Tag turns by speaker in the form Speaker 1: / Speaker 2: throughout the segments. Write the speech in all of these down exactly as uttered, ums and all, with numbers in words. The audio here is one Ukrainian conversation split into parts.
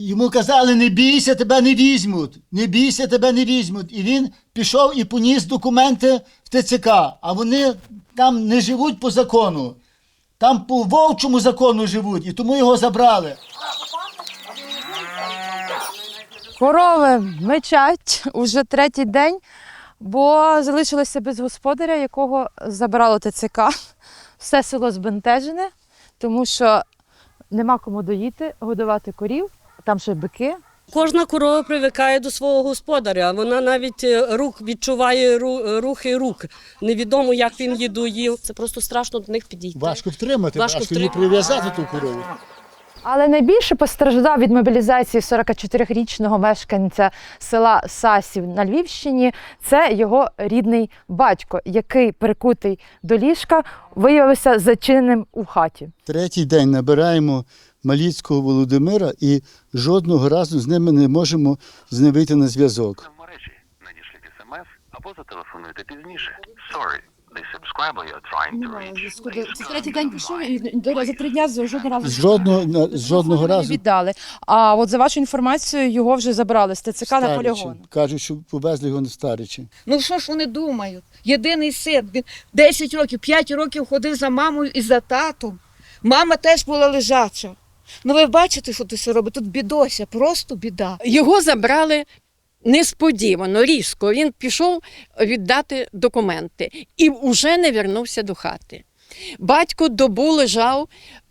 Speaker 1: Йому казали, не бійся, тебе не візьмуть, не бійся, тебе не візьмуть. І він пішов і поніс документи в Те Це Ка, а вони там не живуть по закону, там по вовчому закону живуть, і тому його забрали.
Speaker 2: Корови мечать уже третій день, бо залишилися без господаря, якого забрало Те Це Ка. Все село збентежене, тому що нема кому доїти, годувати корів, там ще бики.
Speaker 3: Кожна корова привикає до свого господаря, вона навіть рух відчуває рухи рук. Невідомо, як він її доїв. Це просто страшно до них підійти.
Speaker 1: Важко втримати,
Speaker 3: Важко
Speaker 1: важко її
Speaker 3: втримати.
Speaker 1: прив'язати ту корову.
Speaker 2: Але найбільше постраждав від мобілізації сорокачотирирічного мешканця села Сасів на Львівщині. Це його рідний батько, який, прикутий до ліжка, виявився зачиненим у хаті.
Speaker 1: Третій день набираємо Маліцького Володимира і жодного разу з ними не можемо з ним вийти на зв'язок.
Speaker 4: В мережі надішліть смс або зателефонуйте пізніше. Sorry, the subscriber you're trying to reach.
Speaker 5: Це третій день пішов і до- за три дня жодного разу.
Speaker 1: З жодного, на- з жодного
Speaker 2: Не
Speaker 1: разу
Speaker 2: віддали. А от за вашу інформацію, його вже забрали з Те Це Ка на
Speaker 1: Старичі.
Speaker 2: полігон.
Speaker 1: Кажуть, що повезли його на Старичі.
Speaker 6: Ну що ж вони думають? Єдиний син, він десять років, п'ять років ходив за мамою і за татом. Мама теж була лежача. Ну ви бачите, що тут робить? Тут бідося, просто біда.
Speaker 7: Його забрали несподівано, різко. Він пішов віддати документи і вже не вернувся до хати. Батько добу лежав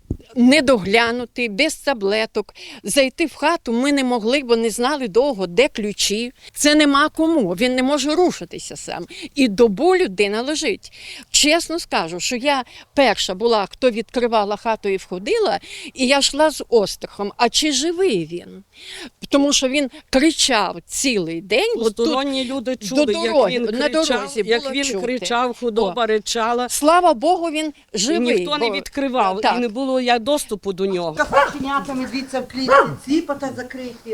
Speaker 7: недоглянутий, без таблеток. Зайти в хату ми не могли, бо не знали довго, де ключі. Це нема кому, він не може рушитися сам. І добу людина лежить. Чесно скажу, що я перша була, хто відкривала хату і входила, і я йшла з острахом, а чи живий він? Тому що він кричав цілий день. От тут
Speaker 3: Посторонні люди чули,
Speaker 7: до
Speaker 3: як
Speaker 7: дороги,
Speaker 3: він
Speaker 7: на
Speaker 3: кричав,
Speaker 7: дорозі
Speaker 3: як
Speaker 7: було
Speaker 3: він
Speaker 7: чути.
Speaker 3: кричав, худоба ричала.
Speaker 7: Слава Богу, він
Speaker 3: І
Speaker 7: живий.
Speaker 3: ніхто не
Speaker 7: бо-
Speaker 3: відкривав,
Speaker 7: Так.
Speaker 3: і не було як доступу до нього.
Speaker 6: Кафешенятами дивіться в клітці, ціпота закриті.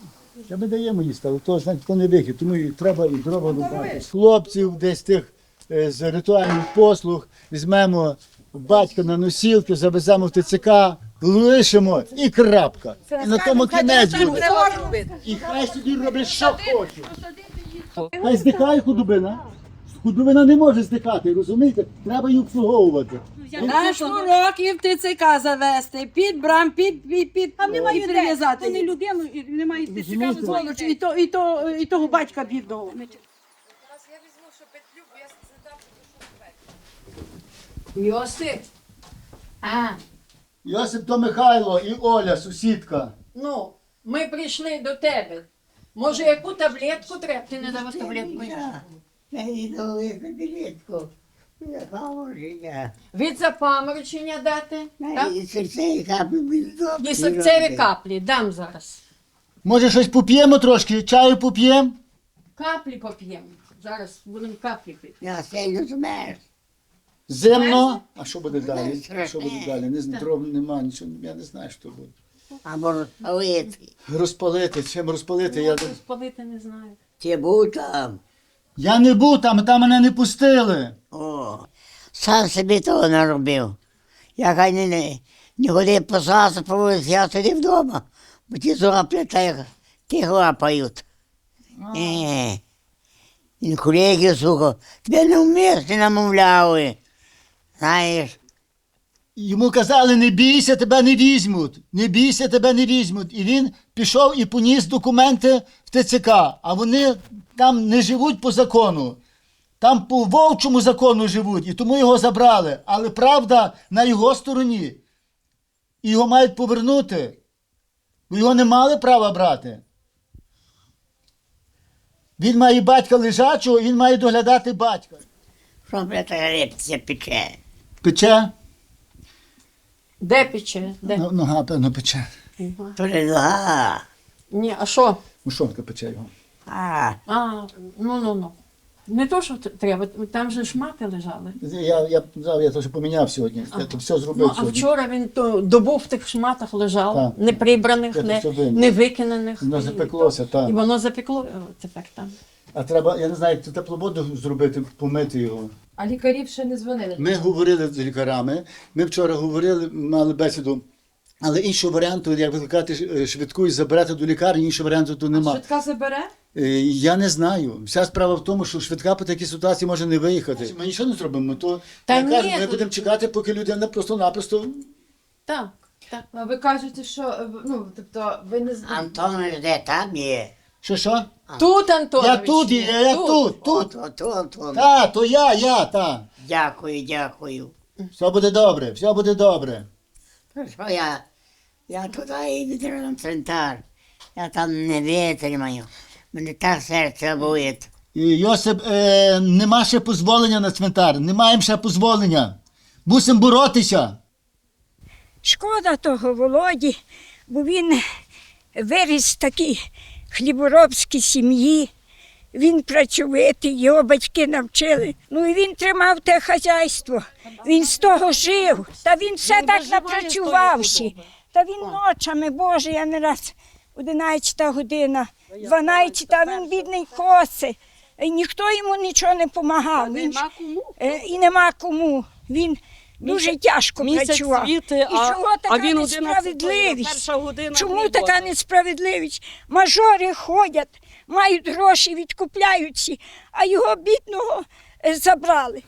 Speaker 1: Та ми даємо їсти, але то, знаєте, то не вихід, тому і треба і дрова рубати. З хлопців десь тих е, з ритуальних послуг візьмемо батька на носілки, завеземо в Те Це Ка, лишимо і крапка. І на тому кінець буде. І хай собі роблять, що хочуть. Хай здихає худобина. Худобина не може здихати, розумієте? Треба її обслуговувати.
Speaker 8: На сто років Те Це Ка завести, під брам, під, під, під,
Speaker 5: А немає
Speaker 8: і
Speaker 5: де,
Speaker 8: прив'язати.
Speaker 5: то не людину, і немає Те Це Ка,
Speaker 1: Розумієте?
Speaker 8: Сволочі, і, то, і, то, і того батька бідного.
Speaker 7: Йосип, а,
Speaker 1: Йосип то Михайло і Оля, сусідка.
Speaker 7: ну, ми прийшли до тебе. Може, яку таблетку треба? Ти не давав таблетку?
Speaker 9: Мені дали таблетку. Запаморочення.
Speaker 7: Від запаморочення дати? Так?
Speaker 9: І серцеві каплі від добрі
Speaker 7: І серцеві
Speaker 9: роблять.
Speaker 7: каплі дам зараз.
Speaker 1: Може щось поп'ємо трошки, чаю поп'ємо?
Speaker 7: Каплі поп'ємо. Зараз будемо каплі пити.
Speaker 9: Я сильно змерз.
Speaker 1: Зимно. А що буде далі?
Speaker 9: Страшне.
Speaker 1: Що буде далі? Не, з- дров нема, нічого, я не знаю, що буде.
Speaker 9: Або розпалити.
Speaker 1: Розпалити, чим розпалити? Я,
Speaker 7: Спалити не знаю.
Speaker 9: Чи був там?
Speaker 1: я не був там, там мене не пустили.
Speaker 9: О, сам собі того наробив. Я хай не, не, не ходив по сасу, по вулиці, я сидів вдома, бо ті зоплять, та їх тих лапають. Е, він колеги, сука, тебе не вмієш, ти намовляли. Знаєш,
Speaker 1: Йому казали, не бійся, тебе не візьмуть. Не бійся, тебе не візьмуть. І він пішов і поніс документи в Те Це Ка, а вони там не живуть по закону. Там по вовчому закону живуть, і тому його забрали. Але правда на його стороні. І його мають повернути. Бо його не мали права брати. Він має батька лежачого, і він має доглядати батька.
Speaker 9: що бляха репція пече.
Speaker 1: Пече?
Speaker 7: Де пече? Де?
Speaker 1: Ну, нога, певно, пече.
Speaker 9: То не нога.
Speaker 7: Ні, а що?
Speaker 1: Мушонка пече його.
Speaker 9: А,
Speaker 7: А, ну, ну, ну. Не то, що т- треба, там же ж мати лежали.
Speaker 1: Я, я, я, я то що поміняв сьогодні. Я то все зробив
Speaker 7: Ну, а
Speaker 1: сьогодні.
Speaker 7: вчора він то добу в тих шматах лежав,
Speaker 1: Так.
Speaker 7: не прибраних,
Speaker 1: Я то
Speaker 7: не,
Speaker 1: все виніс.
Speaker 7: не викинених.
Speaker 1: Воно
Speaker 7: І-
Speaker 1: запеклося, так.
Speaker 7: І воно запекло о, тепер там.
Speaker 1: А треба, я не знаю, як теплу воду зробити, помити його.
Speaker 2: А лікарів ще не дзвонили.
Speaker 1: Ми говорили з лікарями. Ми вчора говорили, мали бесіду Але іншого варіанту, як викликати ш- швидку і забирати до лікарні, іншого варіанту тут нема.
Speaker 2: Швидка забере?
Speaker 1: Е, Я не знаю. Вся справа в тому, що швидка по такій ситуації може не виїхати. Ми нічого не зробимо, то
Speaker 7: Та
Speaker 1: я
Speaker 7: ні,
Speaker 1: кажу, ми
Speaker 7: тут-
Speaker 1: будемо чекати, поки людина просто-напросто.
Speaker 7: Так, так.
Speaker 2: А ви кажете, що ну, тобто, ви не знаєте.
Speaker 9: Антонович де там є?
Speaker 1: Що що?
Speaker 7: Тут, Антонович,
Speaker 1: Я тут,
Speaker 7: є,
Speaker 1: я, я тут, тут.
Speaker 9: От, от, от, от.
Speaker 1: Та, то я, я, та.
Speaker 9: Дякую, дякую.
Speaker 1: Все буде добре, все буде добре.
Speaker 9: То що я? Я туди і відразу в центр. Я там не витримаю. Мене так серце болить.
Speaker 1: І, Йосип, е, нема ще дозволення на цвинтар, не маємо ще дозволення. Мусимо боротися.
Speaker 10: Шкода того Володі, бо він виріс в такій хліборобській сім'ї. Він працьовитий, його батьки навчили. Ну і він тримав те хазяйство. Він з того жив. Та він все так напрацювався. Та він ночами, Боже, я не раз одинадцята година, дванадцята, він бідний коси. І ніхто йому нічого не допомагав. Він,
Speaker 3: Нема кому.
Speaker 10: е, і нема кому. Він дуже тяжко
Speaker 3: Місяць
Speaker 10: працював.
Speaker 3: світи,
Speaker 10: І
Speaker 3: а,
Speaker 10: чого така
Speaker 3: а він
Speaker 10: несправедливість?
Speaker 3: перша година.
Speaker 10: Чому
Speaker 3: роботи.
Speaker 10: така несправедливість? Мажори ходять, мають гроші, відкупляються, а його бідного е, забрали.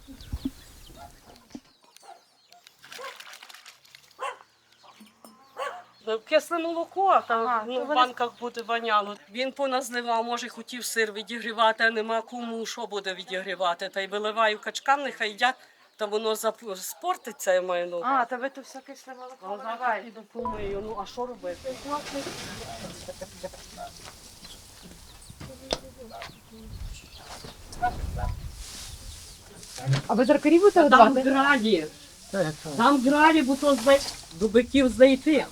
Speaker 3: Кисле молоко, там ну, в банках буде воняло. Він поназливав, може хотів сир відігрівати, а нема кому, що буде відігрівати. Та й виливаю качкам, нехай їдять, та воно зап- спортиться, я маю на увазі.
Speaker 2: А, то ви тут все кисле молоко
Speaker 3: А зараз
Speaker 2: виливаєте.
Speaker 3: піду помию, ну а що робити?
Speaker 2: А ви заркарі будете
Speaker 3: Там
Speaker 2: годувати?
Speaker 3: граді, там граді, бо то зай- до биків зайти.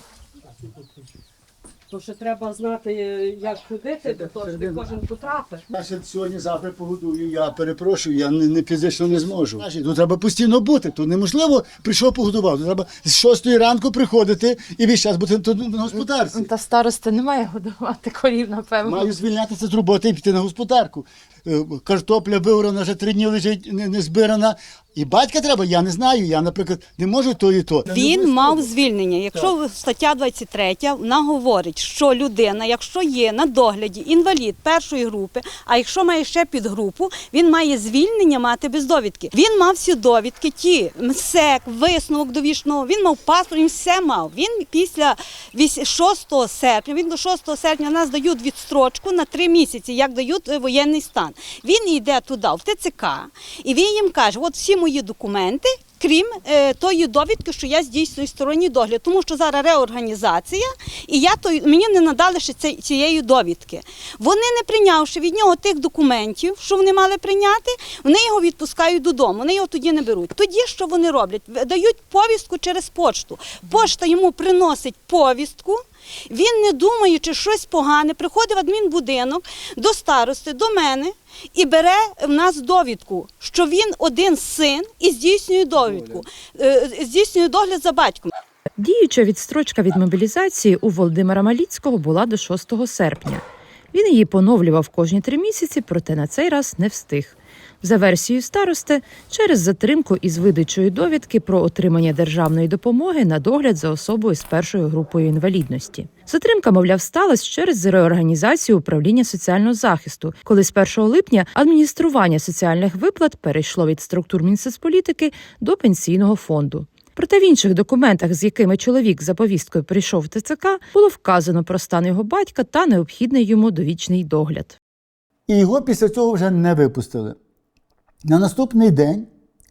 Speaker 3: То ще треба знати, як ходити, до того, що не кожен потрапить.
Speaker 1: Я ще сьогодні-завтра погодую, я перепрошую, я не, не фізично не зможу. Значить, тут треба постійно бути, тут неможливо прийшов погодував. Тут треба з шостої ранку приходити і весь час бути тут на господарці.
Speaker 2: Та староста не має годувати корів, напевно.
Speaker 1: Маю звільнятися з роботи і піти на господарку. Е, Картопля виорана, вже три дні лежить не, не збирана. І батька треба, я не знаю, я, наприклад, не можу то і то.
Speaker 5: Він мав звільнення. Якщо стаття двадцять третя, вона говорить, що людина, якщо є на догляді інвалід першої групи, а якщо має ще підгрупу, він має звільнення мати без довідки. Він мав всі довідки, ті МСЕК, висновок довічного, він мав паспорт, він все мав. Він після шостого серпня, він до шостого серпня нас дають відстрочку на три місяці, як дають воєнний стан. Він йде туди, в ТЦК, і він їм каже, от всі мої документи, крім е, тої довідки, що я здійснюю сторонній догляд, тому що зараз реорганізація, і я той, мені не надали ще ці, цієї довідки. Вони, не прийнявши від нього тих документів, що вони мали прийняти, вони його відпускають додому, вони його тоді не беруть. Тоді що вони роблять? Дають повістку через почту. Пошта йому приносить повістку, він, не думаючи щось погане, приходить в адмінбудинок до старости, до мене, і бере в нас довідку, що він один син і здійснює довідку, е, здійснює догляд за батьком.
Speaker 2: Діюча відстрочка від мобілізації у Володимира Маліцького була до шостого серпня. Він її поновлював кожні три місяці, проте на цей раз не встиг. За версією старости, через затримку із видачою довідки про отримання державної допомоги на догляд за особою з першою групою інвалідності. Затримка, мовляв, сталася через реорганізацію управління соціального захисту, коли з першого липня адміністрування соціальних виплат перейшло від структур Мінсоцполітики до пенсійного фонду. Проте в інших документах, з якими чоловік за повісткою прийшов в ТЦК, було вказано про стан його батька та необхідний йому довічний догляд.
Speaker 1: І його після цього вже не випустили. На наступний день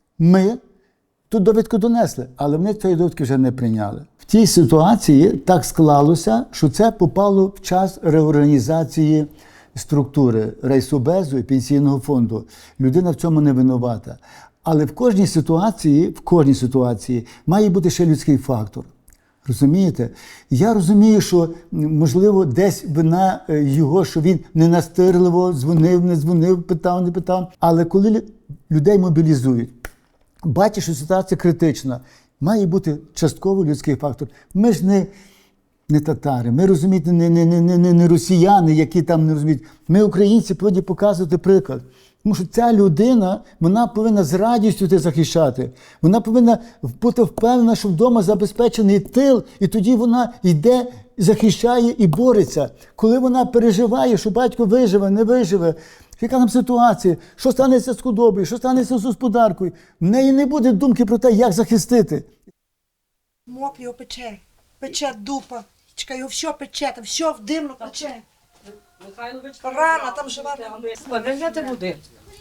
Speaker 1: ми ту довідку донесли, але вони цієї довідки вже не прийняли. В тій ситуації так склалося, що це попало в час реорганізації структури райсобезу і пенсійного фонду. Людина в цьому не винувата. Але в кожній ситуації, в кожній ситуації має бути ще людський фактор. Розумієте? Я розумію, що, можливо, десь вина його, що він ненастирливо дзвонив, не дзвонив, питав, не питав. Але коли людей мобілізують, бачиш, що ситуація критична, має бути частково людський фактор. Ми ж не, не татари, ми, розумієте, не, не, не, не, не росіяни, які там не розуміють. Ми, українці, повинні показувати приклад. Тому що ця людина, вона повинна з радістю це захищати. Вона повинна бути впевнена, що вдома забезпечений тил, і тоді вона йде, захищає і бореться. Коли вона переживає, що батько виживе, не виживе, яка там ситуація, що станеться з худобою, що станеться з господаркою, в неї не буде думки про те, як захистити.
Speaker 11: Моп його пече, пече дупа, чекай, його все пече, там все в димно пече. Рана, там жива.
Speaker 3: Де взяти води?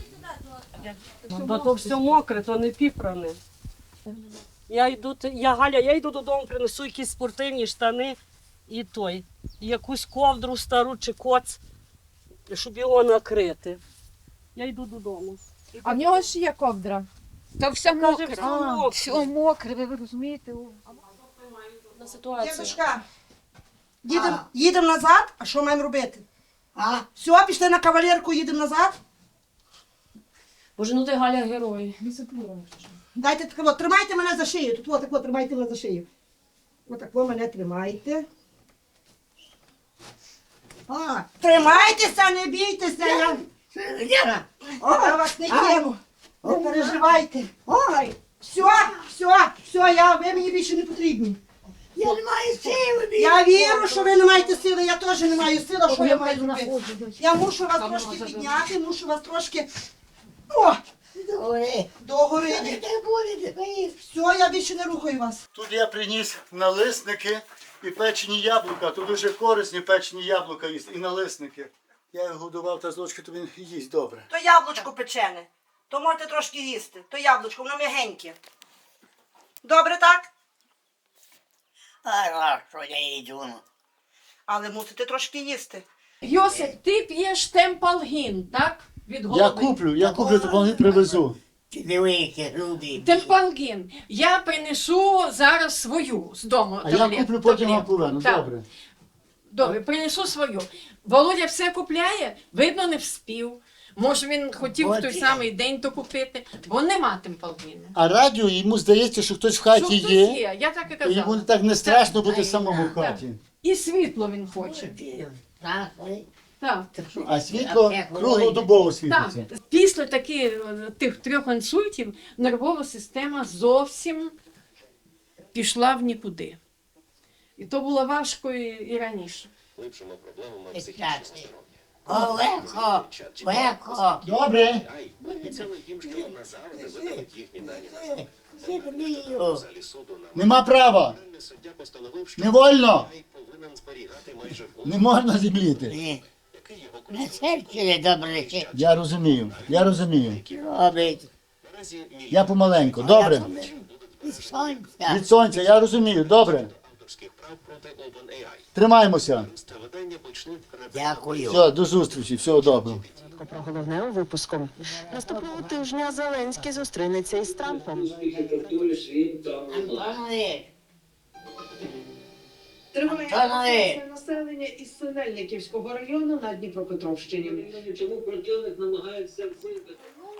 Speaker 3: Бо то все мокре, то не піпране. Я йду, я Галя, я йду додому, принесу якісь спортивні штани і той, і якусь ковдру стару чи коц, щоб його накрити. Я йду додому.
Speaker 2: А в нього ж є ковдра.
Speaker 6: Та все мокре.
Speaker 3: все мокре.
Speaker 6: Все мокре, ви розумієте?
Speaker 3: На ситуацію.
Speaker 11: Дідушка, їдемо їдем назад, а що маємо робити?
Speaker 9: А?
Speaker 11: Все, пішли на кавалерку, їдемо назад.
Speaker 3: Боже, ну ти Галя герой.
Speaker 11: Дайте таке, тримайте мене за шию. Тут от тако, тримайте мене за шию. Отако мене тримайте. А, тримайтеся, не бійтеся. Я,
Speaker 9: Лера,
Speaker 11: О, я вас не кину. Не переживайте. Ой, все, все, все, я, ви мені більше не потрібні.
Speaker 9: я не маю сили.
Speaker 11: Я вірю, що ви не маєте сили, я теж не маю сили, що я маю робити. Я мушу вас трошки підняти, мушу вас трошки. О,
Speaker 9: Добре.
Speaker 11: догори.
Speaker 9: Не буде, не
Speaker 11: Все, я більше не рухаю вас.
Speaker 1: Тут я приніс налисники і печені яблука. Тут дуже корисні печені яблука і налисники. Я його годував та з ложки, то він їсть добре.
Speaker 11: То яблучко печене, то можете трошки їсти. То яблучко, воно м'ягеньке. Добре так?
Speaker 9: А що я йду?
Speaker 11: Але мусите трошки їсти.
Speaker 7: Йосип, ти п'єш темпалгін, так? Від голови.
Speaker 1: Я куплю, я куплю, то вони привезу.
Speaker 9: Ти диви, які грубі.
Speaker 7: Темпалгін. Я принесу зараз свою з дому.
Speaker 1: А я
Speaker 7: таблет-
Speaker 1: куплю, потім вам
Speaker 7: таблетку.
Speaker 1: поверну.
Speaker 7: Так.
Speaker 1: Добре.
Speaker 7: Добре, принесу свою. Володя все купляє, видно, не вспів. Може, він хотів в той
Speaker 9: От.
Speaker 7: самий день то купити, бо нема темпалгіну.
Speaker 1: А радіо, йому здається, що хтось в
Speaker 7: Що
Speaker 1: хаті
Speaker 7: хтось
Speaker 1: є,
Speaker 7: є, я так і
Speaker 1: і йому
Speaker 7: казала.
Speaker 1: так не страшно
Speaker 7: Так.
Speaker 1: бути самому в
Speaker 7: Так.
Speaker 1: хаті.
Speaker 7: І світло він хоче.
Speaker 9: Так,
Speaker 7: Так.
Speaker 1: А світло круглодобово світиться.
Speaker 7: Так. Після таких е, тих трьох інсультів нервова система зовсім пішла в нікуди. І то було важко і, і раніше.
Speaker 9: О, легко, легко.
Speaker 1: Добре. Нема права. Не вольно. Не можна зібліти.
Speaker 9: Ні. На серці не добре чи
Speaker 1: Я розумію, я розумію.
Speaker 9: робить.
Speaker 1: Я помаленьку. Добре.
Speaker 9: Від сонця.
Speaker 1: Від сонця, я розумію. Добре. Тримаємося.
Speaker 9: Дякую.
Speaker 1: Все, до зустрічі. Всього доброго.
Speaker 12: Про головне у випуску. Наступного тижня Зеленський зустрінеться із Трампом.
Speaker 9: Антонові.
Speaker 12: Триває
Speaker 9: Антонові.
Speaker 12: населення із Синельниківського району на Дніпропетровщині.
Speaker 3: Чому противник намагається вбити?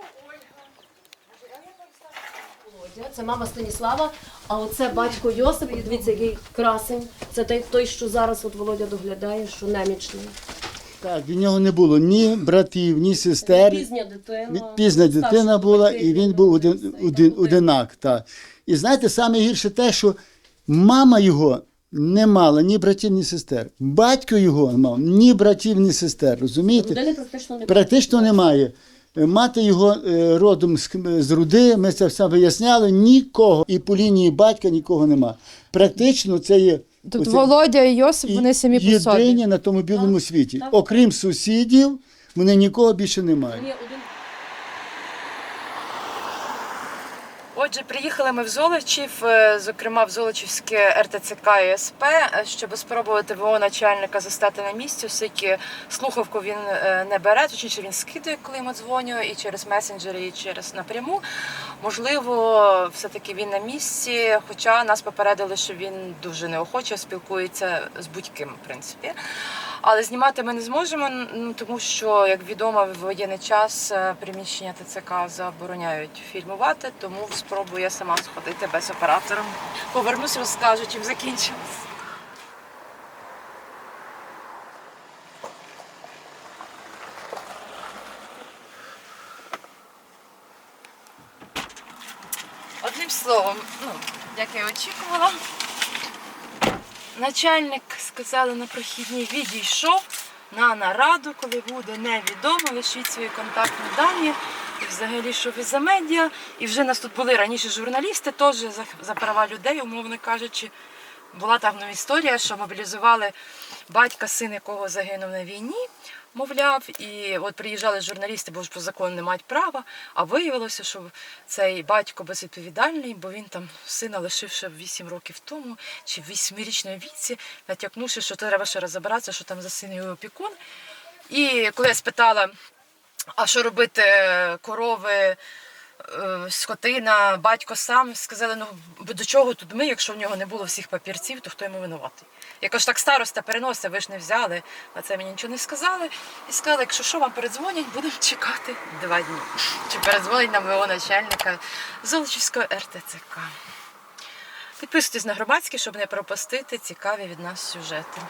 Speaker 13: Це мама Станіслава, а оце батько Йосип. І дивіться, який красень. Це той, той, що зараз от Володя доглядає, що немічний.
Speaker 1: Так, від нього не було ні братів, ні сестер.
Speaker 13: Пізня дитина.
Speaker 1: Пізна
Speaker 13: старша
Speaker 1: дитина була,
Speaker 13: дитина.
Speaker 1: і він був один, один, одинак. Так. І знаєте, саме гірше те, що мама його не мала ні братів, ні сестер. Батько його не мав ні братів, ні сестер. Розумієте?
Speaker 13: Людини практично не
Speaker 1: Практично немає. Мати його е, родом з, з Руди, ми це все виясняли, нікого. І по лінії батька нікого нема. Практично це є
Speaker 2: Тут
Speaker 1: оце
Speaker 2: Володя і Йосип, вони самі по собі.
Speaker 1: єдині на тому білому світі. Окрім сусідів, вони нікого більше не мають.
Speaker 13: Є один.
Speaker 2: Отже, приїхали ми в Золочів, е, зокрема в Золочівське ер те це ка і ес пе, е, щоб спробувати ВО начальника застати на місці, оскільки слухавку він е, не бере, точніше він скидає, коли йому дзвоню, і через месенджери, і через напряму. Можливо, все-таки він на місці, хоча нас попередили, що він дуже неохоче спілкується з будь-ким, в принципі. Але знімати ми не зможемо, ну, тому що, як відомо, в воєнний час е, приміщення те це ка забороняють фільмувати, тому спробую я сама сходити без оператора. Повернусь, розкажу, чим закінчилось. Одним словом, ну, як я очікувала, начальник, сказали на прохідній, відійшов на нараду, коли буде невідомо, лишіть свої контактні дані. І взагалі, що ви за медіа. І вже нас тут були раніше журналісти, теж за, за права людей, умовно кажучи. Була там ну, історія, що мобілізували батька, син якого загинув на війні, мовляв. І от приїжджали журналісти, бо ж по закону не мають права. А виявилося, що цей батько безвідповідальний, бо він там сина лишив ще вісім років тому, чи в восьмирічній віці, натякнувши, що треба ще розібратися, що там за син його опікун. І коли я спитала, а що робити корови, скотина, батько сам, сказали, ну до чого тут ми, якщо в нього не було всіх папірців, то хто йому винуватий? Я кажу, так староста переносить, ви ж не взяли, на це мені нічого не сказали. І сказали, якщо що, вам передзвонять, будемо чекати два дні. Чи передзвонить нам його начальника Золочівського ер те це ка. Підписуйтесь на громадські, щоб не пропустити цікаві від нас сюжети.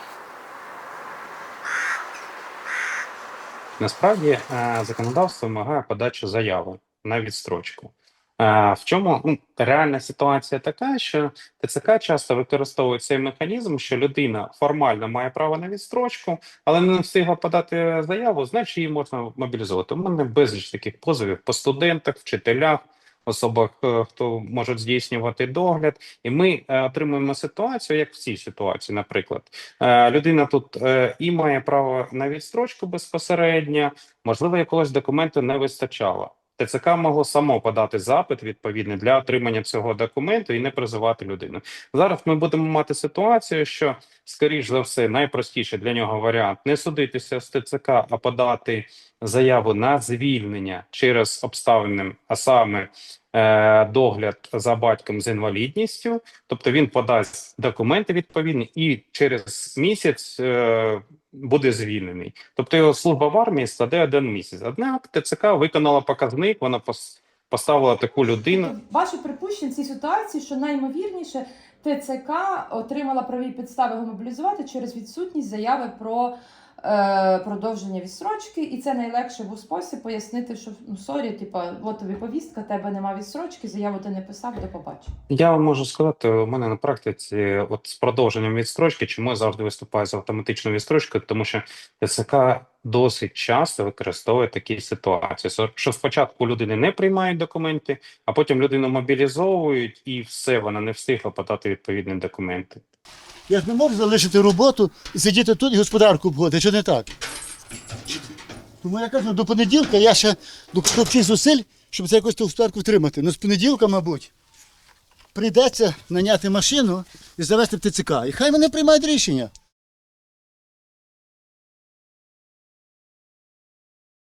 Speaker 14: Насправді законодавство вимагає подачу заяви на відстрочку. В чому ну, реальна ситуація така, що те це ка часто використовує цей механізм, що людина формально має право на відстрочку, але не встигла подати заяву, значить її можна мобілізувати. У мене безліч таких позовів по студентах, вчителях, особах, хто можуть здійснювати догляд. І ми е, отримуємо ситуацію, як в цій ситуації, наприклад. Е, людина тут е, і має право на відстрочку безпосередньо, можливо, якогось документу не вистачало. те це ка могло само подати запит відповідний для отримання цього документу і не призивати людину. Зараз ми будемо мати ситуацію, що, скоріш за все, найпростіший для нього варіант – не судитися з те це ка, а подати заяву на звільнення через обставини, а саме е, догляд за батьком з інвалідністю. Тобто він подасть документи відповідні і через місяць е, буде звільнений. Тобто його служба в армії складе один місяць. Однак те це ка виконала показник, вона поставила таку людину.
Speaker 2: Ваше припущення в цій ситуації, що найімовірніше те це ка отримала праві підстави його мобілізувати через відсутність заяви про е, продовження відстрочки, і це найлегший був спосіб пояснити, що ну сорі, типа, от тобі повістка, тебе нема відстрочки, заяву ти не писав, до побачення.
Speaker 14: Я вам можу сказати, у мене на практиці от з продовженням відстрочки, чому я завжди виступаю з автоматичною відстрочкою, тому що те це ка досить часто використовує такі ситуації, що спочатку людини не приймають документи, а потім людину мобілізовують і все, вона не встигла подати відповідні документи.
Speaker 1: Я ж не можу залишити роботу і сидіти тут і господарку обходити, чи не так? Тому я кажу, до понеділка я ще докладу зусиль, щоб це якось ту господарку втримати. Ну з понеділка, мабуть, прийдеться наняти машину і завести в те це ка. І хай вони приймають рішення.